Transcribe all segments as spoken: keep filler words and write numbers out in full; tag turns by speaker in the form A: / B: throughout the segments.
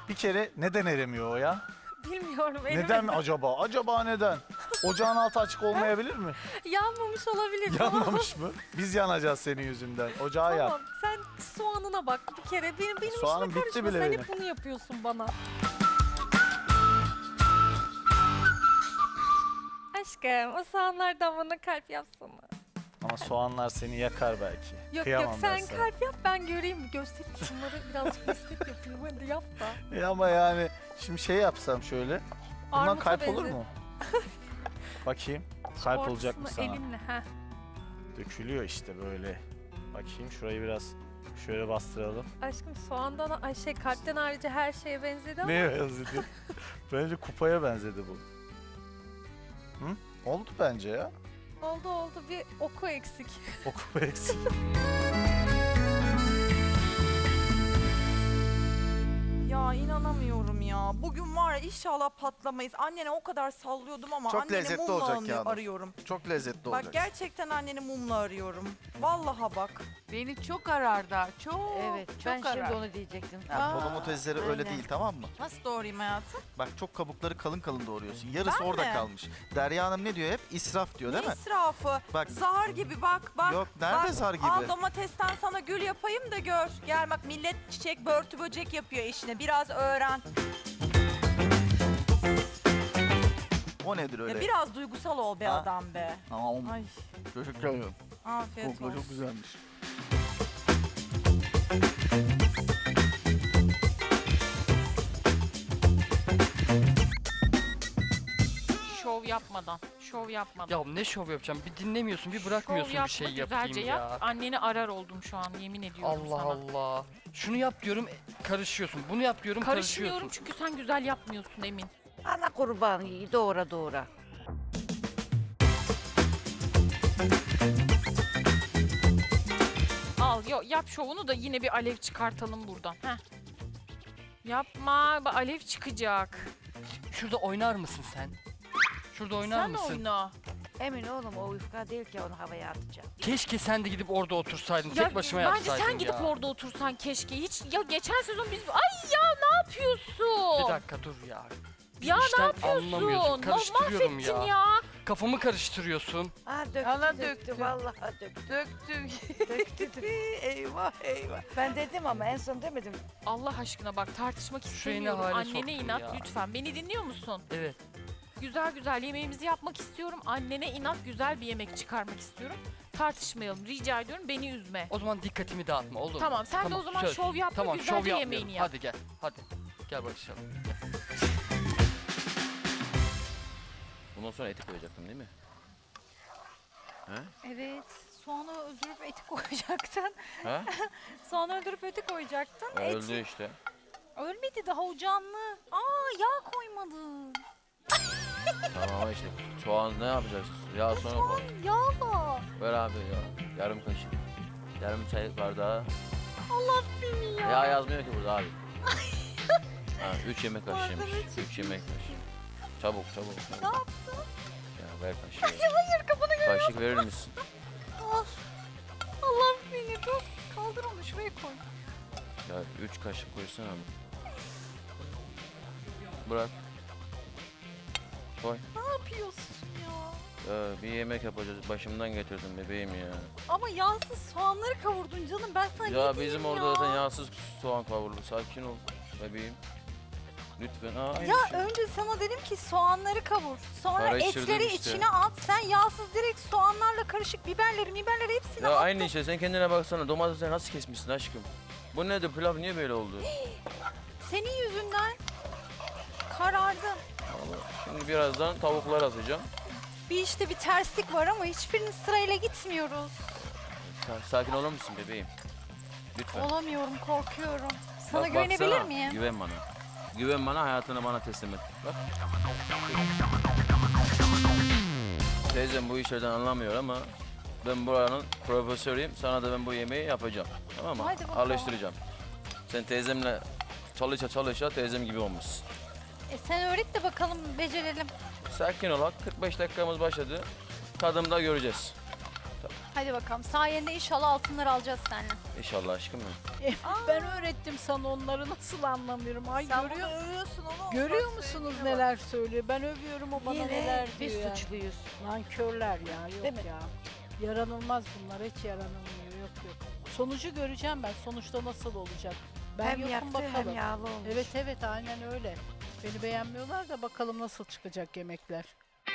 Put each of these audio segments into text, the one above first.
A: Bir kere neden eremiyor o ya?
B: Bilmiyorum.
A: Neden acaba? Acaba neden? Ocağın altı açık olmayabilir mi?
B: Yanmamış olabilir.
A: Yanmamış mı? Biz yanacağız senin yüzünden. Ocağı yak.
B: Tamam sen soğanına bak bir kere. Benim, benim
A: Soğanım
B: işime
A: bitti
B: karışma.
A: bile
B: Sen
A: benim.
B: hep bunu yapıyorsun bana. Aşkım o soğanlardan bana kalp yapsana.
A: Ama soğanlar seni yakar belki.
B: Yok
A: Kıyamam
B: yok
A: ben
B: sen
A: sana.
B: kalp yap ben göreyim. Göstereyim şunları birazcık destek yapayım. Hadi yap da.
A: E ama yani şimdi şey yapsam şöyle. Bundan
B: Armuta
A: kalp olur
B: benzer.
A: mu? Bakayım. Kalp
B: Ortasını
A: olacak mı sana?
B: elinle. Heh.
A: Dökülüyor işte böyle. Bakayım şurayı biraz şöyle bastıralım.
B: Aşkım soğandan, ay şey kalpten ayrıca her şeye benzedi ama.
A: Neye benzedi? Bence kupaya benzedi bu. Hı? Oldu bence ya.
B: Oldu oldu bir oku eksik.
A: O kupa eksik.
C: Ya inanamıyorum ya. Bugün var ya inşallah patlamayız. Annene o kadar sallıyordum ama
D: Çok
C: anneni
D: lezzetli
C: mumla
D: olacak
C: anı-
D: Yağmur.
C: arıyorum.
D: Çok lezzetli
C: Bak
D: olacak.
C: gerçekten anneni mumla arıyorum. Vallahi bak.
E: Beni çok arar da, çok,
F: Evet,
E: çok
F: ben
E: arar.
F: şimdi onu diyecektim.
C: Aa,
D: Domatesleri öyle
F: aynen.
D: değil, tamam mı?
C: Nasıl doğrayayım hayatım?
D: Bak çok kabukları kalın kalın doğruyorsun. Yarısı
C: Ben
D: orada
C: mi?
D: kalmış. Derya Hanım ne diyor hep? İsraf diyor değil
C: Ne
D: mi?
C: israfı?
D: Bak.
C: Zar gibi bak bak.
D: Yok, nerede
C: bak.
D: zar gibi?
C: Al domatesten sana gül yapayım da gör. Gel bak millet çiçek börtü böcek yapıyor işine. Biraz öğren.
D: O nedir öyle?
C: Ya biraz duygusal ol be
D: Ha?
C: adam be.
D: Tamam.
C: Ay
D: Teşekkür ederim.
C: afiyet
D: Kokla
C: olsun.
D: çok güzelmiş.
E: Şov yapmadan, şov yapmadan.
G: Ya ne şov yapacağım? Bir dinlemiyorsun, bir bırakmıyorsun
E: şov
G: bir
E: yapma,
G: şey
E: güzelce
G: yapayım
E: yap.
G: ya.
E: Anneni arar oldum şu an, yemin ediyorum
G: Allah
E: sana.
G: Allah. Şunu yap diyorum, karışıyorsun. Bunu yap diyorum,
E: Karışmıyorum
G: karışıyorsun.
E: çünkü sen güzel yapmıyorsun Emin.
F: Ana kurban iyi doğra doğra.
E: Al, yo, yap şovunu da yine bir alev çıkartalım buradan. Heh. Yapma, bak alev çıkacak.
G: Şurada oynar mısın sen? Şurada oynar
E: Sen
G: mısın?
E: oyna.
F: Emin oğlum o yufka değil ki onu havaya atacağım.
G: Keşke sen de gidip orada otursaydın.
E: Ya,
G: Tek başıma
E: bence
G: yapsaydın
E: sen gidip
G: ya.
E: orada otursan keşke. Hiç ya geçen sezon biz ay ya ne yapıyorsun?
G: Bir dakika dur ya.
E: Ya ne
G: İşten
E: yapıyorsun?
G: anlamıyorsun.
E: Ma-
G: Karıştırıyorum
E: mahvettin
G: ya.
E: ya.
G: Kafamı karıştırıyorsun.
F: Aa döktü
E: Ana
F: döktü,
E: döktü.
F: vallahi döktü.
E: Döktüm.
F: döktü.
C: eyvah eyvah.
F: Ben dedim ama en son demedim.
E: Allah aşkına bak tartışmak
G: Şu yeni
E: istemiyorum.
G: hale
E: Annene
G: soktun
E: inat
G: ya.
E: lütfen. Beni dinliyor musun?
G: Evet.
E: Güzel güzel yemeğimizi yapmak istiyorum. Annene inat güzel bir yemek çıkarmak istiyorum. Tartışmayalım. Rica ediyorum beni üzme.
G: O zaman dikkatimi dağıtma olur mu?
E: Tamam sen de o zaman
G: söz.
E: şov yapma
G: Tamam,
E: güzelce
G: şov
E: yemeğini
G: yapmıyorum.
E: yap.
G: Hadi gel. Hadi. Gel barışalım.
H: Bundan sonra eti koyacaktım değil mi?
B: Evet soğanı öldürüp eti koyacaktın.
H: Ha?
B: Soğanı öldürüp eti koyacaktın.
H: Öldü işte.
B: Ölmedi daha o canlı. Aa yağ koymadın.
H: Tamam ama işte soğan ne yapacağız? Yağ sonra koy.
B: Yağla.
H: Ver abi ya. Yarım kaşık. Yarım çay bardağı.
B: Allah seni ya.
H: Yağ yazmıyor ki burada abi. Ha, üç yemek kaşığıymış. Üç yemek kaşığı. Çabuk çabuk. çabuk.
B: Ne yaptın?
H: Ya ver kaşığı.
B: Hayır kafanı gör.
H: Kaşık verir misin?
B: Al. Allah seni dur. Kaldır onu şuraya koy.
H: Ya üç kaşık koysana abi. Bırak. Koy.
B: Ne yapıyorsun ya?
H: Ya bir yemek yapacağız. Başımdan getirdim bebeğim ya.
B: Ama yağsız soğanları kavurdun canım. Ben sana ne
H: Ya
B: diyeyim
H: bizim
B: ya?
H: orada zaten yağsız soğan kavruldu. Sakin ol bebeğim. Lütfen. Aa, aynı
B: Ya
H: şey.
B: önce sana dedim ki soğanları kavur. Sonra
H: Karıştırdım
B: etleri
H: işte.
B: içine at. Sen yağsız direkt soğanlarla karışık biberleri biberleri hepsini
H: Ya
B: at.
H: aynı işte sen kendine baksana domatesi nasıl kesmişsin aşkım. Bu nedir pilav niye böyle oldu?
B: Senin yüzünden karardım.
H: Vallahi şimdi birazdan tavuklar atacağım.
B: Bir işte bir terslik var ama hiçbirinin sırayla gitmiyoruz.
H: Sa- Sakin olur musun bebeğim? Lütfen.
B: Olamıyorum, korkuyorum. Sana
H: Bak,
B: güvenebilir
H: baksana,
B: miyim?
H: Güven bana. Güven bana hayatını bana teslim et. Bak. Teyzem bu işlerden anlamıyor ama ben buranın profesörüyüm. Sana da ben bu yemeği yapacağım. Tamam mı?
B: Haydi bakalım.
H: Alıştıracağım. Sen teyzemle çalışa çalışa teyzem gibi olmuşsun.
B: E sen öğret de bakalım becerelim.
H: Sakin ol. kırk beş dakikamız başladı. Tadımda göreceğiz.
B: Hadi bakalım. Sayende inşallah altınlar alacağız seninle.
H: İnşallah aşkım benim.
I: Ben öğrettim sana onları, nasıl anlamıyorum. Ay
C: Sen
I: görüyor,
C: bunu övüyorsun onu.
I: görüyor
C: bak,
I: musunuz
C: sevgine bak.
I: neler söylüyor? Ben övüyorum, o bana
F: Yine
I: neler
F: biz
I: diyor yani.
F: suçluyuz.
I: Nankörler ya, yok
F: Değil mi?
I: ya. Yaranılmaz bunlar, hiç yaranılmıyor, yok yok. Sonucu göreceğim ben, sonuçta nasıl olacak. Ben
F: Hem
I: yokum
F: yaktı
I: bakalım.
F: hem yağlı olmuş.
I: Evet evet, aynen öyle. Beni beğenmiyorlar da bakalım nasıl çıkacak yemekler.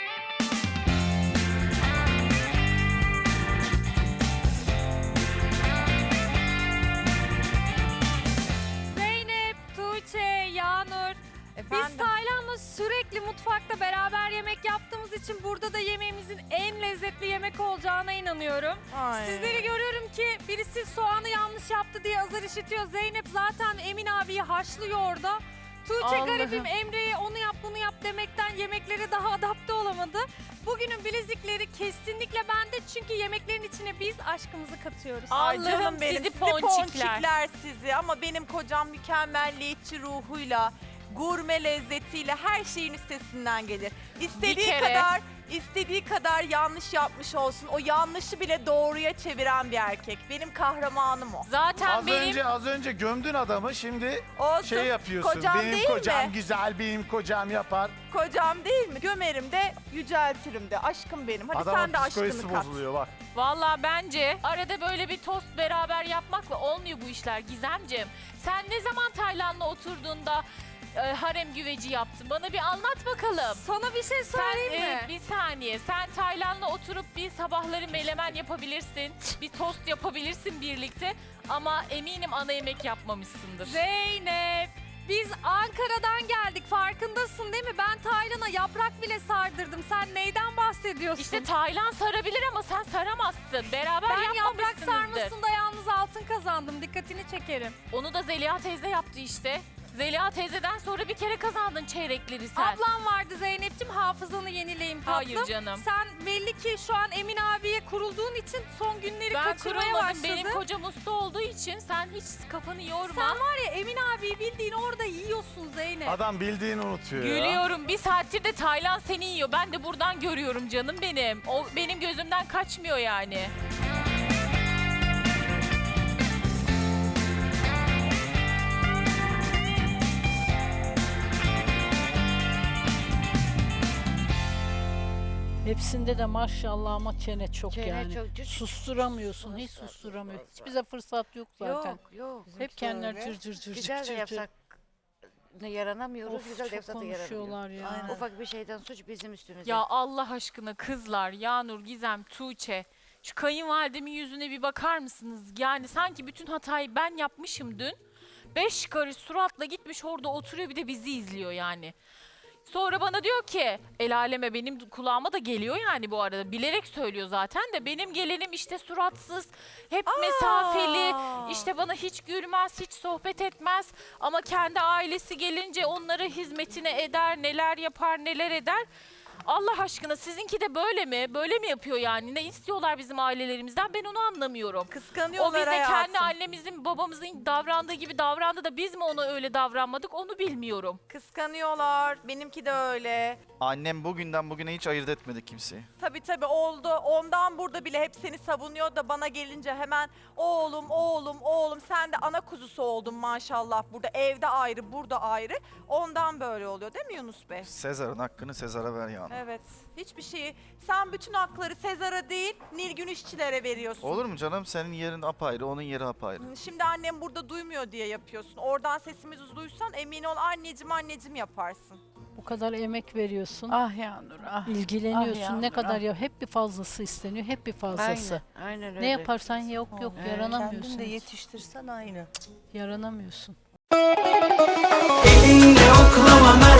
J: Zeynep, Tuğçe, Yağnur. Biz
C: Efendim?
J: Taylan'la sürekli mutfakta beraber yemek yaptığımız için burada da yemeğimizin en lezzetli yemek olacağına inanıyorum.
C: Ay.
J: Sizleri görüyorum ki birisi soğanı yanlış yaptı diye azar işitiyor. Zeynep zaten Emin abiyi haşlıyor orada. Tuğçe
C: Allah'ım.
J: garibim Emre'ye onu yap bunu yap demekten yemeklere daha adapte olamadı. Bugünün bilezikleri kesinlikle bende çünkü yemeklerin içine biz aşkımızı katıyoruz.
C: Ay
E: Allah'ım
C: canım benim,
E: sizi
C: sizi
E: ponçikler.
C: ponçikler sizi ama benim kocam mükemmelliyetçi ruhuyla, gurme lezzetiyle her şeyin üstesinden gelir. İstediği
E: kere-
C: kadar, istediği kadar yanlış yapmış olsun. O yanlışı bile doğruya çeviren bir erkek. Benim kahramanım o.
E: Zaten
A: Az
E: benim
A: önce az önce gömdün adamı, şimdi
C: Olsun.
A: şey yapıyorsun.
C: Kocam
A: benim
C: değil
A: kocam
C: mi?
A: güzel, benim kocam yapar.
C: Kocam değil mi? Gömerim de, yüceltirim de. Aşkım benim. Hadi sen
A: Adamın
C: de
A: psikolojisi
C: aşkını kat.
A: bozuluyor bak.
E: Valla bence arada böyle bir tost beraber yapmakla olmuyor bu işler Gizemciğim. Sen ne zaman Taylan'la oturduğunda e, harem güveci yaptın? Bana bir anlat bakalım.
J: Sana bir şey
E: Sen
J: söyleyeyim
E: e,
J: mi?
E: bir saniye. Sen Taylan'la oturup bir sabahları melemen yapabilirsin. Bir tost yapabilirsin birlikte. Ama eminim ana yemek yapmamışsındır.
J: Zeynep, biz Ankara'dan geldik. Farkındasın değil mi? Ben Taylan'a yaprak bile sardırdım. Sen neyden bahsediyorsun?
E: İşte Taylan sarabilir ama sen saramazsın. Beraber
J: ben yaprak
E: yapmamışsınızdır.
J: sarmasında yalnız altın kazandım. Dikkatini çekerim.
E: Onu da Zeliha teyze yaptı işte. Zeliha teyzeden sonra bir kere kazandın çeyrekleri sen.
J: Ablam vardı Zeynep'ciğim. Hafızanı yenileyim tatlım.
E: Hayır canım.
J: Sen belli ki şu an Emin abiye kurulduğun için son günleri
E: Ben
J: kaçırmaya
E: kurulmadım.
J: başladın.
E: Benim kocam usta olduğu için sen hiç kafanı yorma.
J: Sen var ya Emin abiyi bildiğin orada yiyorsun Zeynep.
A: Adam bildiğini unutuyor ya.
E: Gülüyorum. Bir saattir de Taylan seni yiyor. Ben de buradan görüyorum canım benim. O benim gözümden kaçmıyor yani.
I: Hepsinde de maşallah ama çene çok
F: Çene
I: yani.
F: çok cüc-
I: Susturamıyorsun, hiç susturamıyor. Hiç bize fırsat yok zaten.
F: Yok yok.
I: Hep kendileri cır cır cır
F: Güzel
I: cır
F: de
I: cır cır.
F: yapsak ne yaranamıyoruz,
I: Of,
F: güzel de
I: çok
F: yapsak da yaranamıyoruz.
I: konuşuyorlar ya.
F: Aynen. Ufak bir şeyden suç bizim üstümüze.
E: Ya Allah aşkına kızlar, Yağnur, Gizem, Tuğçe. Şu kayınvalidemin yüzüne bir bakar mısınız? Yani sanki bütün hatayı ben yapmışım dün. Beş karış suratla gitmiş orada oturuyor bir de bizi izliyor yani. Sonra bana diyor ki el aleme benim kulağıma da geliyor yani bu arada. Bilerek söylüyor zaten de benim gelenim işte suratsız, hep mesafeli, işte bana hiç gülmez, hiç sohbet etmez. Ama kendi ailesi gelince onlara hizmetine eder, neler yapar, neler eder. Allah aşkına sizinki de böyle mi? Böyle mi yapıyor yani? Ne istiyorlar bizim ailelerimizden? Ben onu anlamıyorum. O
C: Kıskanıyorlar
E: bize
C: hayatım.
E: kendi annemizin, babamızın davrandığı gibi davrandı da biz mi ona öyle davranmadık? Onu bilmiyorum.
C: Kıskanıyorlar. Benimki de öyle.
D: Annem bugünden bugüne hiç ayırt etmedi kimseyi.
C: Tabii tabii oldu. Ondan burada bile hep seni savunuyor da bana gelince hemen oğlum, oğlum, oğlum sen de ana kuzusu oldun maşallah. Burada evde ayrı, burada ayrı. Ondan böyle oluyor değil mi Yunus Bey?
D: Sezar'ın hakkını Sezar'a ver yani.
C: Evet. Hiçbir şeyi, sen bütün hakları Sezar'a değil, Nilgün işçilere veriyorsun.
D: Olur mu canım? Senin yerin apayrı, onun yeri apayrı.
C: Şimdi annem burada duymuyor diye yapıyorsun. Oradan sesimizi duysan emin ol anneciğim anneciğim yaparsın.
I: Bu kadar emek veriyorsun.
F: Ah Yağnur ah.
I: İlgileniyorsun.
F: Ah Yağmur,
I: ne kadar
F: ah.
I: ya hep bir fazlası isteniyor. Hep bir fazlası.
F: Aynen, aynen öyle.
I: Ne yaparsan yok yok yaranamıyorsun.
K: Kendin de
I: hiç.
K: yetiştirsen aynı.
I: Yaranamıyorsun.
K: Elinle oklama